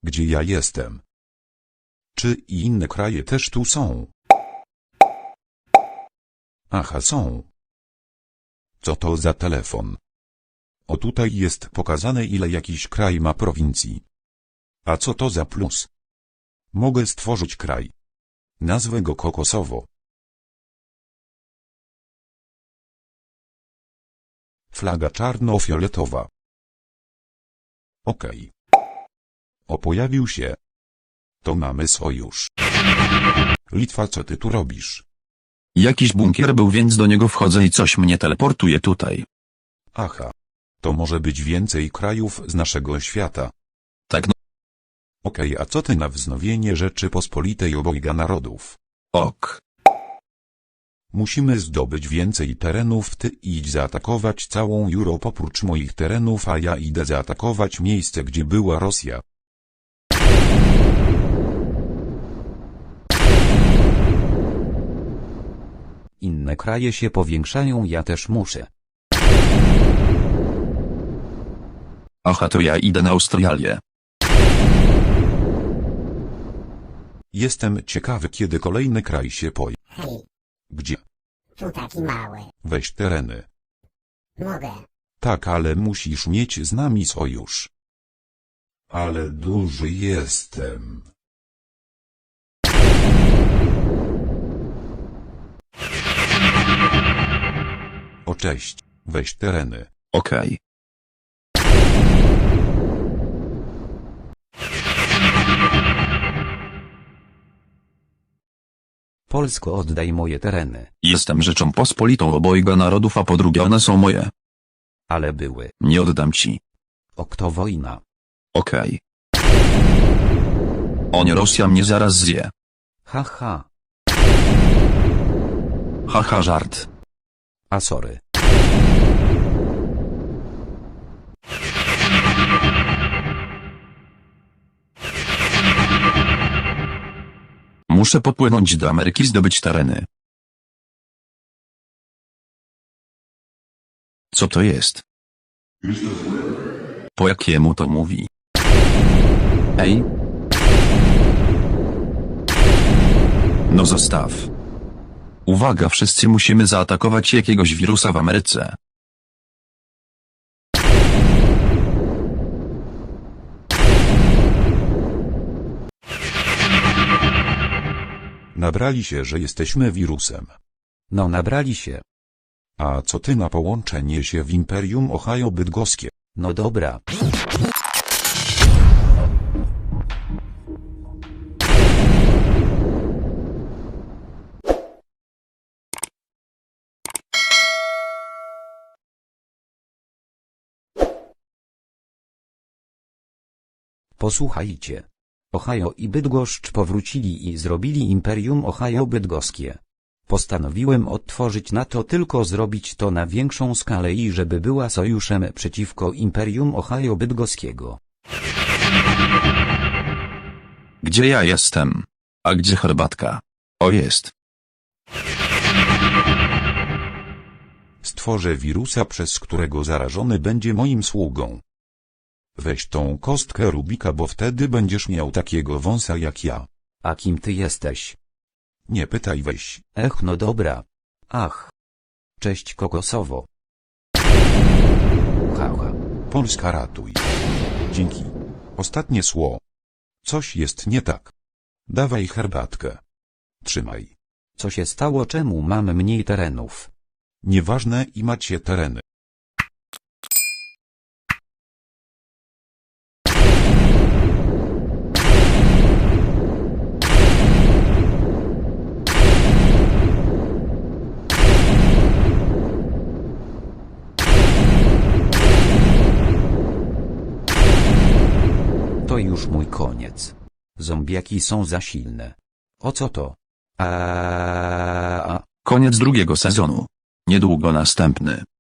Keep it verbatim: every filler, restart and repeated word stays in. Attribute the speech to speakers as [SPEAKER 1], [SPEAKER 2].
[SPEAKER 1] Gdzie ja jestem? Czy i inne kraje też tu są? Aha, są. Co to za telefon? O, tutaj jest pokazane, ile jakiś kraj ma prowincji. A co to za plus? Mogę stworzyć kraj. Nazwę go Kokosowo. Flaga czarno-fioletowa. Okej. O, pojawił się. To mamy sojusz. Litwa, co ty tu robisz?
[SPEAKER 2] Jakiś bunkier był, więc do niego wchodzę i coś mnie teleportuje tutaj.
[SPEAKER 1] Aha. To może być więcej krajów z naszego świata.
[SPEAKER 2] Tak no.
[SPEAKER 1] Okej, a co ty na wznowienie Rzeczypospolitej obojga narodów?
[SPEAKER 2] Ok.
[SPEAKER 1] Musimy zdobyć więcej terenów, ty idź zaatakować całą Europę oprócz moich terenów, a ja idę zaatakować miejsce, gdzie była Rosja.
[SPEAKER 3] Inne kraje się powiększają, ja też muszę.
[SPEAKER 2] Aha, to ja idę na Australię.
[SPEAKER 1] Jestem ciekawy, kiedy kolejny kraj się pojawi.
[SPEAKER 4] Hej,
[SPEAKER 1] Gdzie?
[SPEAKER 4] tu taki mały.
[SPEAKER 1] Weź tereny.
[SPEAKER 4] Mogę.
[SPEAKER 1] Tak, ale musisz mieć z nami sojusz. Ale duży jestem. O, cześć. Weź tereny.
[SPEAKER 2] Okej.
[SPEAKER 3] Polsko, oddaj moje tereny.
[SPEAKER 2] Jestem Rzeczą Pospolitą obojga narodów, a po drugie one są moje.
[SPEAKER 3] Ale były.
[SPEAKER 2] Nie oddam ci.
[SPEAKER 3] O, kto wojna?
[SPEAKER 2] Okej. O nie, Rosja mnie zaraz zje.
[SPEAKER 3] Haha.
[SPEAKER 2] Haha, żart.
[SPEAKER 3] A sorry.
[SPEAKER 2] Muszę popłynąć do Ameryki, zdobyć tereny. Co to jest? Po jakiemu to mówi? Ej. No zostaw. Uwaga, wszyscy musimy zaatakować jakiegoś wirusa w Ameryce.
[SPEAKER 1] Nabrali się, że jesteśmy wirusem.
[SPEAKER 3] No, nabrali się.
[SPEAKER 1] A co ty na połączenie się w Imperium Ohio Bydgoskie?
[SPEAKER 3] No dobra. Posłuchajcie. Ohio i Bydgoszcz powrócili i zrobili Imperium Ohio Bydgoskie. Postanowiłem odtworzyć na to, tylko zrobić to na większą skalę i żeby była sojuszem przeciwko Imperium Ohio Bydgoskiego.
[SPEAKER 2] Gdzie ja jestem? A gdzie herbatka? O, jest.
[SPEAKER 1] Stworzę wirusa, przez którego zarażony będzie moim sługą. Weź tą kostkę Rubika, bo wtedy będziesz miał takiego wąsa jak ja.
[SPEAKER 3] A kim ty jesteś?
[SPEAKER 1] Nie pytaj, weź.
[SPEAKER 3] Ech, no dobra. Ach. Cześć, Kokosowo. Haha.
[SPEAKER 1] Polska, ratuj. Dzięki. Ostatnie sło. Coś jest nie tak. Dawaj herbatkę. Trzymaj.
[SPEAKER 3] Co się stało, czemu mam mniej terenów?
[SPEAKER 1] Nieważne, i macie tereny.
[SPEAKER 3] To już mój koniec. Zombiaki są za silne. O co to? A
[SPEAKER 2] Koniec drugiego sezonu. Niedługo następny.